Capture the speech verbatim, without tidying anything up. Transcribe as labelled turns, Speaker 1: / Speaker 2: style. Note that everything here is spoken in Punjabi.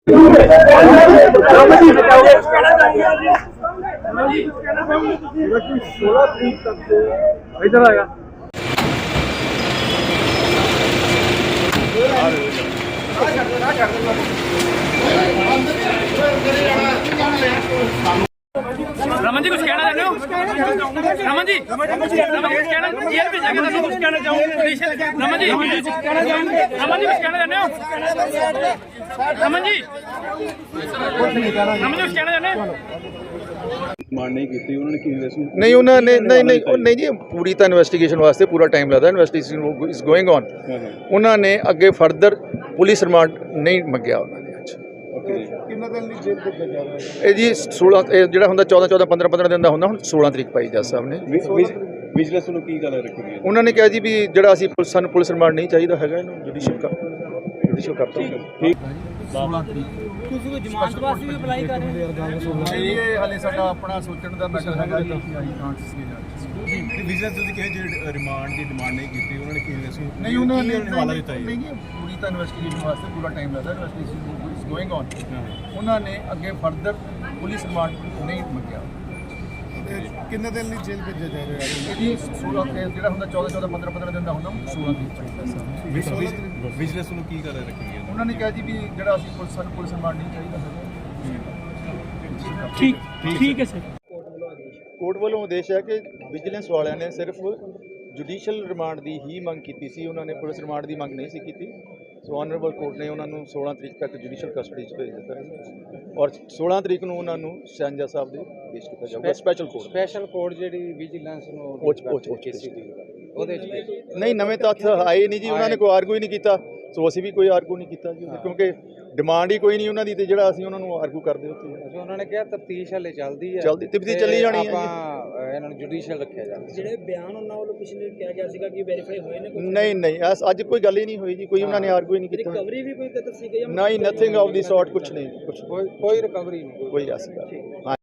Speaker 1: सोलह तरीक तक इधर आएगा।
Speaker 2: रमन जी कुछ कहना चाहते हो? रमन जी रमन जी कुछ कहना जेल में जाके दसो कुछ कहना चाहूँ। रमन जी रमन जी कुछ कहना चाहते हो? रमन जी रमन जी कुछ कहना चाहते हो?
Speaker 3: ਮਾਨ ਨਹੀਂ ਕੀਤੀ ਉਹਨਾਂ ਨੇ ਕੀ ਇਨਵੈਸਟਮੈਂਟ
Speaker 4: ਨਹੀਂ ਉਹਨਾਂ ਨੇ ਨਹੀਂ ਨਹੀਂ ਉਹ ਨਹੀਂ ਜੀ ਪੂਰੀ ਤਾਂ ਇਨਵੈਸਟੀਗੇਸ਼ਨ ਵਾਸਤੇ ਪੂਰਾ ਟਾਈਮ ਲੱਗਦਾ ਇਨਵੈਸਟੀਗੇਸ਼ਨ ਇਜ਼ ਗੋਇੰਗ ਔਨ ਉਹਨਾਂ ਨੇ ਅੱਗੇ ਫਰਦਰ ਪੁਲਿਸ ਰਿਮਾਂਡ ਨਹੀਂ ਮੰਗਿਆ ਉਹਨਾਂ ਨੇ ਅੱਜ
Speaker 1: ਕਿੰਨਾ ਦਿਨ ਲਈ ਜੇਲ੍ਹ ਭੇਜਿਆ ਜਾ ਰਿਹਾ
Speaker 4: ਇਹ ਜੀ ਸੋਲਾਂ ਇਹ ਜਿਹੜਾ ਹੁੰਦਾ ਚੌਦਾਂ ਚੌਦਾਂ ਪੰਦਰਾਂ ਪੰਦਰਾਂ ਦਿਨ ਦਾ ਹੁੰਦਾ ਹੁਣ ਸੋਲਾਂ ਤਰੀਕ ਪਾਈ ਜੱਜ ਸਾਹਿਬ ਨੇ
Speaker 3: ਵਿਜੀਲੈਂਸ ਨੂੰ ਕੀ ਗੱਲ ਰੱਖੀ ਗਈ
Speaker 4: ਉਹਨਾਂ ਨੇ ਕਿਹਾ ਜੀ ਵੀ ਜਿਹੜਾ ਅਸੀਂ ਪੁਲਿਸ ਸਾਨੂੰ ਪੁਲਿਸ ਰਿਮਾਂਡ ਨਹੀਂ ਚਾਹੀਦਾ ਹੈਗਾ ਇਹਨੂੰ ਜੁਡੀਸ਼ੀਅਲ ਕਰ ਜੁਡੀਸ਼ੀਅਲ ਕਰ ਠੀਕ
Speaker 1: ਸੋਲਾਂ ਤਰੀਕ
Speaker 2: ਤੁਸੀਂ ਕੋਈ ਜ਼ਮਾਨਤ ਵਾਸਤੇ ਵੀ ਅਪਲਾਈ ਕਰ ਰਹੇ ਹੋ?
Speaker 4: ਨਹੀਂ ਇਹ ਹਾਲੇ ਸਾਡਾ ਆਪਣਾ ਸੋਚਣ ਦਾ ਮੈਟਰ ਹੈਗਾ ਜੀ
Speaker 3: ਵਿਜੀਲੈਂਸ ਤੁਸੀਂ ਕਿਹਾ ਜਿਹੜੇ ਰਿਮਾਂਡ ਦੀ ਡਿਮਾਂਡ ਨਹੀਂ ਕੀਤੀ ਉਹਨਾਂ ਨੇ ਕੀ ਇਨਵੈਸਟਮੈਂਟ
Speaker 4: ਨਹੀਂ ਉਹਨਾਂ ਨੇ
Speaker 3: ਹਵਾਲਾ ਦਿੱਤਾ
Speaker 4: ਨਹੀਂ ਜੀ ਪੂਰੀ ਤਾਂ ਇਨਵੈਸਟੀਗੇਸ਼ਨ ਵਾਸਤੇ ਪੂਰਾ ਟਾਈਮ ਲੱਗਦਾ ਇਨਵੈਸਟੀਗੇਸ਼ਨ ਇਜ਼ ਗੋਇੰਗ ਔਨ ਉਹਨਾਂ ਨੇ ਅੱਗੇ ਫਰਦਰ ਪੁਲਿਸ ਰਿਮਾਂਡ ਨਹੀਂ ਮੰਗਿਆ
Speaker 1: ਕਿੰਨੇ ਦਿਨ ਲਈ ਜੇਲ੍ਹ ਭੇਜਿਆ ਜਾ ਰਿਹਾ
Speaker 4: ਇਹ ਜੀ ਸੋਲਾਂ ਇਹ ਜਿਹੜਾ ਹੁੰਦਾ ਚੌਦਾਂ ਚੌਦਾਂ ਪੰਦਰਾਂ ਪੰਦਰਾਂ ਦਿਨ ਦਾ ਹੁੰਦਾ ਸੋਲਾਂ ਤਰੀਕ ਚਾਹੀਦਾ ਸਾਹਿਬ
Speaker 3: ਵਿਜੀਲੈਂਸ ਨੂੰ ਕੀ ਗੱਲ ਰੱਖੀ ਗਈ
Speaker 4: ਉਹਨਾਂ ਨੇ ਕਿਹਾ ਜੀ ਵੀ ਜਿਹੜਾ ਅਸੀਂ ਪੁਲਿਸ ਸਾਨੂੰ ਪੁਲਿਸ ਰਿਮਾਂਡ ਨਹੀਂ ਚਾਹੀਦਾ ਹੈਗਾ
Speaker 2: ਠੀਕ ਠੀਕ ਹੈ ਸਰ।
Speaker 4: ਕੋਰਟ ਵੱਲੋਂ ਆਦੇਸ਼ ਹੈ ਕਿ ਵਿਜੀਲੈਂਸ ਵਾਲਿਆਂ ਨੇ ਸਿਰਫ ਜੁਡੀਸ਼ੀਅਲ ਰਿਮਾਂਡ ਦੀ ਹੀ ਮੰਗ ਕੀਤੀ ਸੀ ਉਹਨਾਂ ਨੇ ਪੁਲਿਸ ਰਿਮਾਂਡ ਦੀ ਮੰਗ ਨਹੀਂ ਸੀ ਕੀਤੀ ਸੋ ਆਨਰੇਬਲ ਕੋਰਟ ਨੇ ਉਹਨਾਂ ਨੂੰ ਸੋਲਾਂ ਤਰੀਕ ਤੱਕ ਜੁਡੀਸ਼ੀਅਲ ਕਸਟਡੀ 'ਚ ਭੇਜ ਦਿੱਤਾ ਹੈ ਔਰ ਸੋਲਾਂ ਤਰੀਕ ਨੂੰ ਉਹਨਾਂ ਨੂੰ ਸ਼ਹਿਨਜਾ ਸਾਹਿਬ ਦੇ ਪੇਸ਼ ਕੀਤਾ ਜਾਊਗਾ ਸਪੈਸ਼ਲ ਕੋਰਟ
Speaker 5: ਸਪੈਸ਼ਲ ਕੋਰਟ ਜਿਹੜੀ ਵਿਜੀਲੈਂਸ ਨੂੰ
Speaker 4: ਉਹ ਉਹ
Speaker 5: ਉਹਦੇ ਚ
Speaker 4: ਨਹੀਂ ਨਵੇਂ ਤੱਥ ਆਏ ਨਹੀਂ ਜੀ ਉਹਨਾਂ ਨੇ ਕੋਈ ਆਰਗੂ ਹੀ ਨਹੀਂ ਕੀਤਾ ਸੋ ਅਸੀਂ ਵੀ ਕੋਈ ਆਰਗੂ ਨਹੀਂ ਕੀਤਾ ਜੀ ਕਿਉਂਕਿ ਡਿਮਾਂਡ ਹੀ ਕੋਈ ਨਹੀਂ ਉਹਨਾਂ ਦੀ ਤੇ ਜਿਹੜਾ ਅਸੀਂ ਉਹਨਾਂ ਨੂੰ ਆਰਗੂ ਕਰਦੇ ਉੱਥੇ
Speaker 5: ਉਹਨਾਂ ਨੇ ਕਿਹਾ ਤਫਤੀਸ਼ ਹਲੇ ਚੱਲਦੀ ਹੈ
Speaker 4: ਚੱਲਦੀ ਤਫਤੀਸ਼ ਚੱਲੀ ਜਾਣੀ ਹੈ ਜੀ
Speaker 5: ਆਪਾਂ ਇਹਨਾਂ ਨੂੰ ਜੁਡੀਸ਼ੀਅਲ ਰੱਖਿਆ ਜਾਵੇ
Speaker 2: ਜਿਹੜੇ ਬਿਆਨ ਉਹਨਾਂ ਵੱਲੋਂ ਪਿਛਲੇ ਕਿਹਾ ਗਿਆ ਸੀਗਾ ਕਿ ਵੈਰੀਫਾਈ ਹੋਏ ਨੇ ਕੋਈ
Speaker 4: ਨਹੀਂ ਨਹੀਂ ਐਸ ਅੱਜ ਕੋਈ ਗੱਲ ਹੀ ਨਹੀਂ ਹੋਈ ਜੀ ਕੋਈ ਉਹਨਾਂ ਨੇ ਆਰਗੂ ਹੀ ਨਹੀਂ ਕੀਤਾ
Speaker 2: ਰਿਕਵਰੀ ਵੀ ਕੋਈ ਕਦਰ ਸੀਗਾ ਜਾਂ
Speaker 4: ਨਹੀਂ ਨਥਿੰਗ ਆਫ ਦੀ ਸੌਰਟ ਕੁਝ ਨਹੀਂ ਕੁਝ
Speaker 5: ਕੋਈ ਕੋਈ ਰਿਕਵਰੀ ਨਹੀਂ
Speaker 4: ਕੋਈ ਐਸੀ ਗੱਲ